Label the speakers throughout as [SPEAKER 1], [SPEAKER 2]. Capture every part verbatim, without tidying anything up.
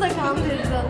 [SPEAKER 1] da kandırdın.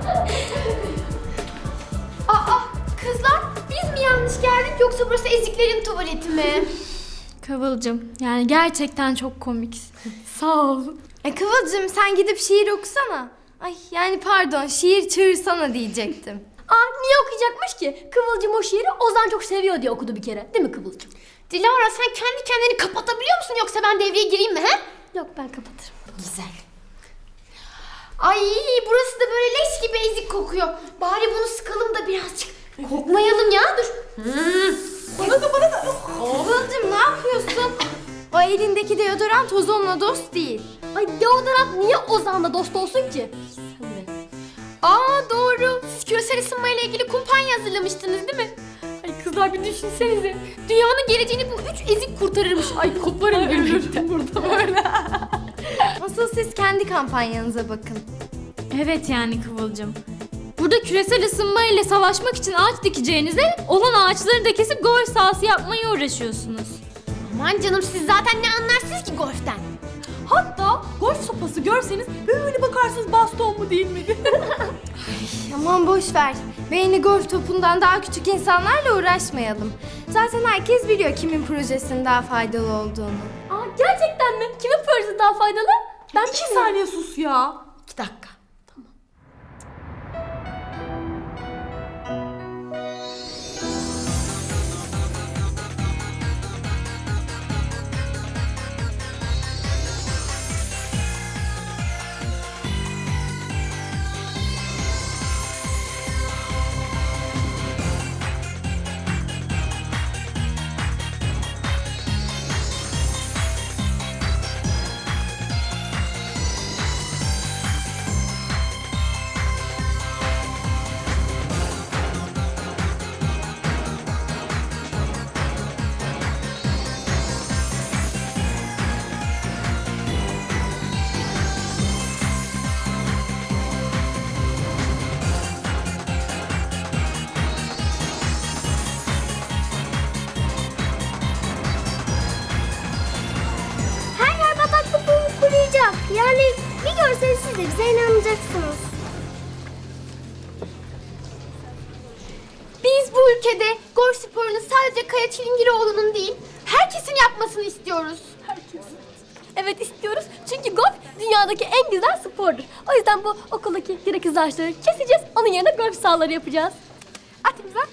[SPEAKER 1] Aa kızlar biz mi yanlış geldik yoksa burası eziklerin tuvaleti mi?
[SPEAKER 2] Kıvılcım, yani gerçekten çok komiksin. Sağ ol.
[SPEAKER 1] E Kıvılcım sen gidip şiir okusana. Ay yani pardon şiir çığırsana diyecektim.
[SPEAKER 3] Aa niye okuyacakmış ki? Kıvılcım o şiiri Ozan çok seviyor diye okudu bir kere. Değil mi Kıvılcım?
[SPEAKER 1] Dilara sen kendi kendini kapatabiliyor musun yoksa ben devreye gireyim mi he?
[SPEAKER 3] Yok ben kapatırım.
[SPEAKER 1] Güzel. Ay burası da böyle leş gibi ezik kokuyor. Bari bunu sıkalım da birazcık kokmayalım ya dur. Hmm. Bana da bana da. Kıvılcım ne yapıyorsun? O elindeki deodorant ozonla dost değil.
[SPEAKER 3] Ay deodorant niye Ozan'la dost olsun ki? Sen de.
[SPEAKER 1] Aa doğru. Siz küresel ısınmayla ilgili kumpanya hazırlamıştınız değil mi? Ay kızlar bir düşünsenize. Dünyanın geleceğini bu üç ezik kurtarırmış. Ay koparım gülmekten burada böyle. Asıl siz kendi kampanyanıza bakın.
[SPEAKER 2] Evet yani Kıvılcım. Burada küresel ısınma ile savaşmak için ağaç dikeceğinize olan ağaçları da kesip golf sahası yapmaya uğraşıyorsunuz.
[SPEAKER 1] Aman canım siz zaten ne anlarsınız ki golften?
[SPEAKER 4] Hatta golf sopası görseniz böyle bakarsınız baston mu değil mi?
[SPEAKER 1] Aman boş ver. Beyni golf topundan daha küçük insanlarla uğraşmayalım. Zaten herkes biliyor kimin projesinin daha faydalı olduğunu.
[SPEAKER 3] Aa gerçekten mi? Kimin projesi daha faydalı? Ben
[SPEAKER 4] İki saniye sus ya.
[SPEAKER 3] İki dakika.
[SPEAKER 5] Her yer bataklık olup kuruyacak. Yani bir görseniz siz de bize inanacaksınız.
[SPEAKER 1] Biz bu ülkede golf sporunu sadece Kaya Çilingiroğlu'nun değil, herkesin yapmasını istiyoruz.
[SPEAKER 3] Evet istiyoruz çünkü golf dünyadaki en güzel spordur. O yüzden bu okuldaki gereksiz ağaçları keseceğiz. Onun yerine golf sahaları yapacağız.
[SPEAKER 1] At imza.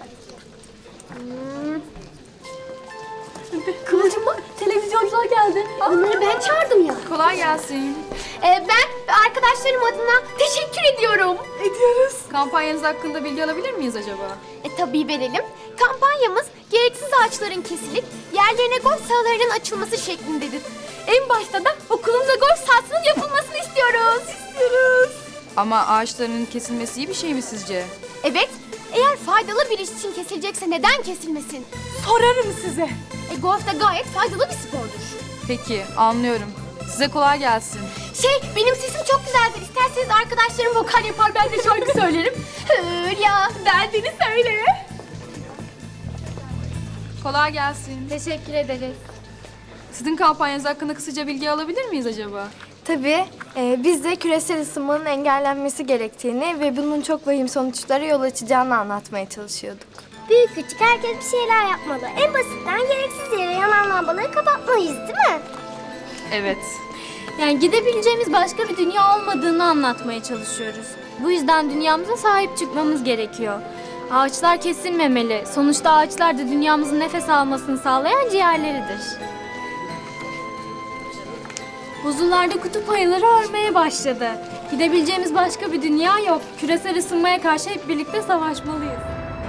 [SPEAKER 3] Kıvılcım bak televizyoncular geldi.
[SPEAKER 1] Onları ben çağırdım ya.
[SPEAKER 4] Kolay gelsin.
[SPEAKER 1] Ee, ben arkadaşlarım adına teşekkür ediyorum.
[SPEAKER 4] Ediyoruz. Kampanyanız hakkında bilgi alabilir miyiz acaba?
[SPEAKER 1] E tabii verelim. Kampanyamız gereksiz ağaçların kesilip yerlerine golf sahalarının açılması şeklindedir. En başta da okulumuzda golf sahasının yapılmasını istiyoruz. İstiyoruz.
[SPEAKER 4] Ama ağaçların kesilmesi iyi bir şey mi sizce?
[SPEAKER 1] Evet, eğer faydalı bir iş için kesilecekse neden kesilmesin?
[SPEAKER 4] Sorarım size.
[SPEAKER 1] E, golf de gayet faydalı bir spordur.
[SPEAKER 4] Peki, anlıyorum. Size kolay gelsin.
[SPEAKER 1] Şey, benim sesim çok güzeldir. İsterseniz arkadaşlarım vokal yapar, ben de şarkı söylerim. Hülya, derdini söyle.
[SPEAKER 4] Kolay gelsin.
[SPEAKER 1] Teşekkür ederiz.
[SPEAKER 4] Sizin kampanyanız hakkında kısaca bilgi alabilir miyiz acaba?
[SPEAKER 1] Tabii, e, biz de küresel ısınmanın engellenmesi gerektiğini ve bunun çok vahim sonuçlara yol açacağını anlatmaya çalışıyorduk.
[SPEAKER 5] Büyük küçük herkes bir şeyler yapmalı. En basitten gereksiz yere yanan lambaları kapatmalıyız değil mi?
[SPEAKER 4] Evet.
[SPEAKER 2] Yani gidebileceğimiz başka bir dünya olmadığını anlatmaya çalışıyoruz. Bu yüzden dünyamıza sahip çıkmamız gerekiyor. Ağaçlar kesilmemeli. Sonuçta ağaçlar da dünyamızın nefes almasını sağlayan ciğerleridir. Buzullarda kutup ayıları örmeye başladı. Gidebileceğimiz başka bir dünya yok. Küresel ısınmaya karşı hep birlikte savaşmalıyız.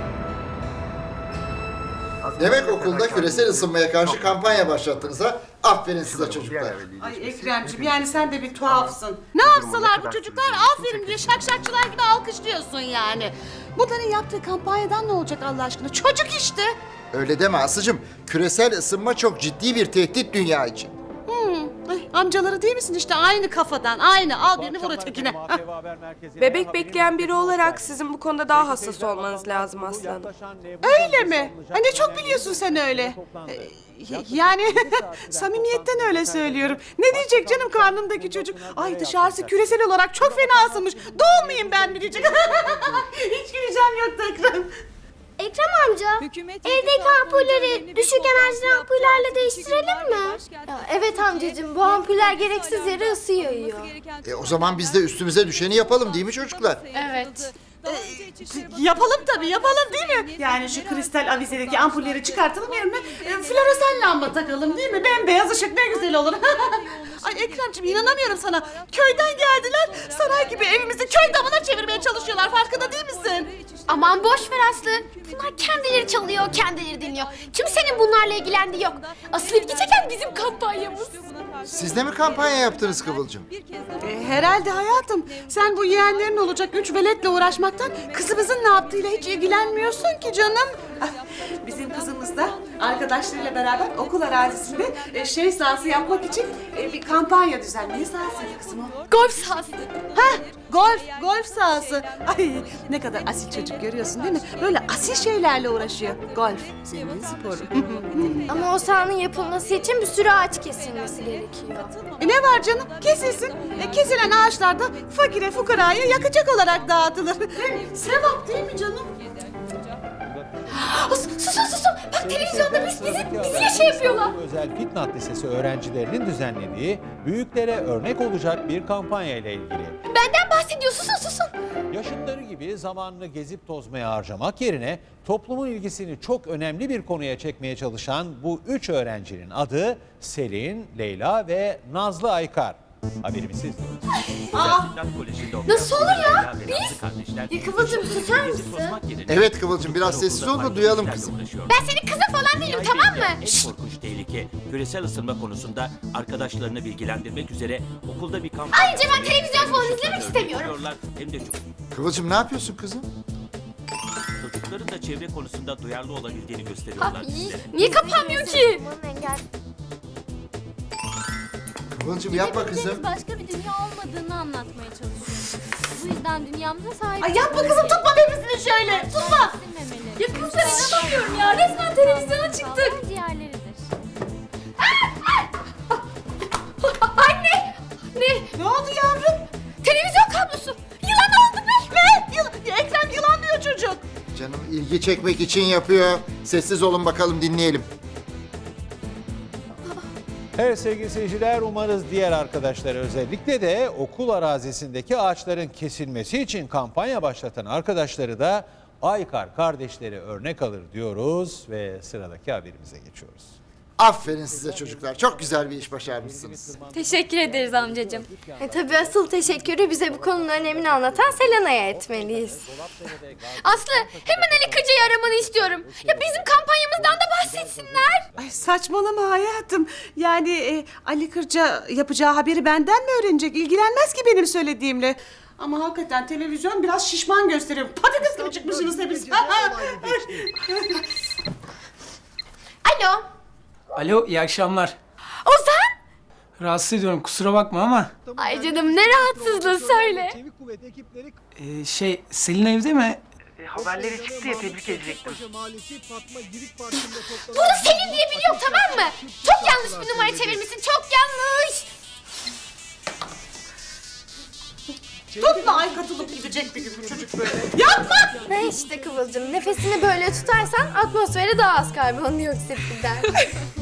[SPEAKER 6] Demek okulda küresel ısınmaya karşı kampanya başlattınız ha? Aferin size çocuklar.
[SPEAKER 7] Ay Ekremciğim yani sen de bir tuhafsın. Ne yapsalar bu çocuklar aferin diye şakşakçılar gibi alkışlıyorsun yani. Bunların yaptığı kampanyadan ne olacak Allah aşkına? Çocuk işte.
[SPEAKER 6] Öyle deme Aslı'cığım. Küresel ısınma çok ciddi bir tehdit dünya için.
[SPEAKER 7] Hmm. Ay, Amcaları değil misin işte aynı kafadan aynı al birini vur ötekine.
[SPEAKER 8] Bebek bekleyen biri olarak sizin bu konuda daha hassas olmanız lazım aslanım.
[SPEAKER 7] Öyle mi? Ha, ne çok biliyorsun sen öyle. Ee, y- yani samimiyetten öyle söylüyorum. Ne diyecek canım karnımdaki çocuk? Ay dışarısı küresel olarak çok fena ısınmış. Doğmayayım ben mi diyecek. Hiç güleceğim yoktu Ekrem.
[SPEAKER 5] Ekrem amca, evdeki ampulleri düşük enerjili ampullerle değiştirelim mi?
[SPEAKER 1] Ya evet amcacığım, bu ampuller gereksiz yere ısı yayıyor.
[SPEAKER 6] E o zaman biz de üstümüze düşeni yapalım değil mi çocuklar?
[SPEAKER 1] Evet.
[SPEAKER 7] Yapalım tabii yapalım değil mi? Yani şu kristal avizedeki ampulleri çıkartalım yerine e, floresan lamba takalım değil mi? Bembeyaz ışık ne güzel olur. Ay Ekremciğim inanamıyorum sana. Köyden geldiler. Saray gibi evimizi köy damına çevirmeye çalışıyorlar. Farkında değil misin?
[SPEAKER 1] Aman boş ver Aslı. Bunlar kendileri çalıyor, kendileri dinliyor. Kimsenin bunlarla ilgilendiği yok. Asıl ilgi çeken bizim kampanyamız.
[SPEAKER 6] Siz de mi kampanya yaptınız Kıvılcım?
[SPEAKER 7] E, herhalde hayatım. Sen bu yeğenlerin olacak üç veletle uğraşmaktan kızımızın ne yaptığıyla hiç ilgilenmiyorsun ki canım. Ah, bizim kızımız da arkadaşlarıyla beraber okul arazisinde e, şey sahası yapmak için e, bir kampanya düzenliyor. Ne sahasıydı kızım o?
[SPEAKER 1] Golf sahası.
[SPEAKER 7] Ha, golf, golf sahası. Ay ne kadar asil çocuk görüyorsun değil mi? Böyle asil şeylerle uğraşıyor. Golf, senin sporu.
[SPEAKER 1] Ama o sahanın yapılması için bir sürü ağaç kesilmesi gerekiyor.
[SPEAKER 7] E ne var canım? Kesilsin. E, kesilen ağaçlar da fakire fukaraya yakacak olarak dağıtılır. Hem sevap değil mi canım?
[SPEAKER 1] Susun susun. Bak televizyonda biz bizi, bizi şey yapıyorlar.
[SPEAKER 9] Özel Fitnat Lisesi öğrencilerinin düzenlediği büyüklere örnek olacak bir kampanya ile ilgili.
[SPEAKER 1] Benden bahsediyor. Susun susun.
[SPEAKER 9] Yaşıtları gibi zamanını gezip tozmaya harcamak yerine toplumun ilgisini çok önemli bir konuya çekmeye çalışan bu üç öğrencinin adı Selin, Leyla ve Nazlı Aykar. Haberimizi izliyoruz.
[SPEAKER 1] Nasıl olur ya? Biz? Ya Kıvılcım susar mısın?
[SPEAKER 6] Evet Kıvılcım biraz sessiz ol da duyalım kızım.
[SPEAKER 1] Ben senin kızın falan değilim tamam mı?
[SPEAKER 10] En korkunç tehlike küresel ısınma konusunda arkadaşlarını bilgilendirmek üzere okulda bir kampanya...
[SPEAKER 1] Ayrıca ben televizyon falan izlemek istemiyorum.
[SPEAKER 10] Hem de çok...
[SPEAKER 6] Kıvılcım ne yapıyorsun kızım?
[SPEAKER 10] Çocukların da çevre konusunda duyarlı olabildiğini gösteriyorlar bizlere.
[SPEAKER 1] Niye kapanmıyor ki?
[SPEAKER 6] Kıvılcım yapma kızım.
[SPEAKER 2] Gidebileceğimiz başka bir dünya olmadığını anlatmaya çalışıyoruz. Bu yüzden dünyamıza sahip
[SPEAKER 7] Ay yapma kızım tutma bebesini şöyle. Tutma.
[SPEAKER 2] kesilmemeli.
[SPEAKER 1] Ya kızlar inanamıyorum ya. Resmen televizyona çıktık.
[SPEAKER 2] Sağlık ciğerleridir.
[SPEAKER 1] Anne! Ne?
[SPEAKER 7] Ne oldu yavrum?
[SPEAKER 1] Televizyon kablosu. Yılan oldu be.
[SPEAKER 7] Ne? Yılan, Ekrem yılanlıyor çocuk.
[SPEAKER 6] Canım ilgi çekmek için yapıyor. Sessiz olun bakalım dinleyelim.
[SPEAKER 9] Evet sevgili seyirciler, umarız diğer arkadaşlar özellikle de okul arazisindeki ağaçların kesilmesi için kampanya başlatan arkadaşları da Aykar kardeşleri örnek alır diyoruz ve sıradaki haberimize geçiyoruz.
[SPEAKER 6] Aferin size çocuklar. Çok güzel bir iş başarmışsınız.
[SPEAKER 2] Teşekkür ederiz amcacığım.
[SPEAKER 1] E tabii asıl teşekkürü bize bu konunun önemini anlatan Selena'ya etmeliyiz. Aslı hemen Ali Kırca'yı aramanı istiyorum. Ya bizim kampanyamızdan da bahsetsinler.
[SPEAKER 7] Ay saçmalama hayatım. Yani e, Ali Kırca yapacağı haberi benden mi öğrenecek? İlgilenmez ki benim söylediğimle. Ama hakikaten televizyon biraz şişman gösteriyor. Patates gibi çıkmışsınız hepiniz.
[SPEAKER 1] Alo.
[SPEAKER 11] Alo, iyi akşamlar.
[SPEAKER 1] Ozan.
[SPEAKER 11] Rahatsız ediyorum, kusura bakma ama...
[SPEAKER 1] Ay canım ne rahatsızlığı söyle.
[SPEAKER 11] Ee, şey, Selin evde mi? E, haberleri çıktı ya, tebrik edecektim.
[SPEAKER 1] Bunu Selin diye biliyorum tamam mı? Çok yanlış bir numara çevirmişsin. Çok yanlış.
[SPEAKER 7] Tutma ay katılıp gidecek bir gün bu çocuk böyle. Yapma!
[SPEAKER 1] Ne işte Kıvılcım. Nefesini böyle tutarsan atmosfere daha az karbondioksit gider.